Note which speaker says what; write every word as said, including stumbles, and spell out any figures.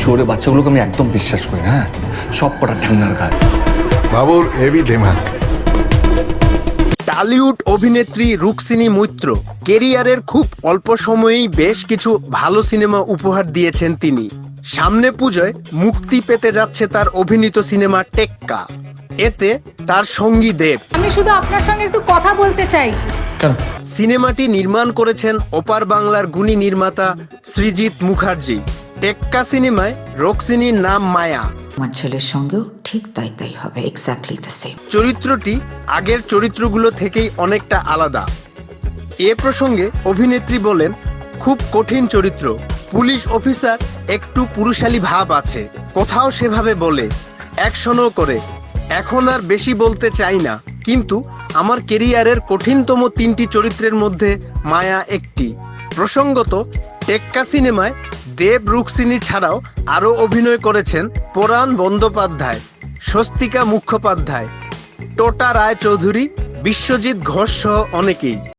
Speaker 1: শহরে বাচ্চাগুলোকে আমি একদম বিশ্বাস করি না। হ্যাঁ, সব কটা ঠ্যাংনার গায়ে।
Speaker 2: বাবুর হেভি দিমাগ।
Speaker 3: টলিউড অভিনেত্রী রুক্মিণী মৈত্র কেরিয়ারের খুব অল্প সময়েই বেশ কিছু ভালো সিনেমা উপহার দিয়েছেন তিনি। সামনে পুজোয় মুক্তি পেতে যাচ্ছে তার অভিনীত সিনেমা টেক্কা। এতে তার সঙ্গী দেব।
Speaker 4: আমি শুধু আপনার সঙ্গে একটু কথা বলতে চাই।
Speaker 1: কেন?
Speaker 3: সিনেমাটি নির্মাণ করেছেন ওপার বাংলার গুণী নির্মাতা সৃজিত মুখার্জি। টেক্কা সিনেমায় রুক্মিণীর নাম মায়া।
Speaker 5: আমার ছেলের সঙ্গেও ঠিক তাই তাই হবে, এক্স্যাক্টলি দ্য সেম।
Speaker 3: চরিত্রটি আগের চরিত্রগুলো থেকেই অনেকটা আলাদা। এ প্রসঙ্গে অভিনেত্রী বলেন, খুব কঠিন চরিত্র, পুলিশ অফিসার, একটু পুরুষালী ভাব আছে, কোথাও সেভাবে বলে, অ্যাকশনও করে। এখন আর বেশি বলতে চাই না, কিন্তু আমার কেরিয়ারের কঠিনতম তিনটি চরিত্রের মধ্যে মায়া একটি। প্রসঙ্গত, টেক্কা সিনেমায় দেব রুক্মিণী ছাড়াও আরও অভিনয় করেছেন পরাণ বন্দ্যোপাধ্যায়, স্বস্তিকা মুখোপাধ্যায়, টোটা রায়চৌধুরী, বিশ্বজিৎ ঘোষ সহ অনেকেই।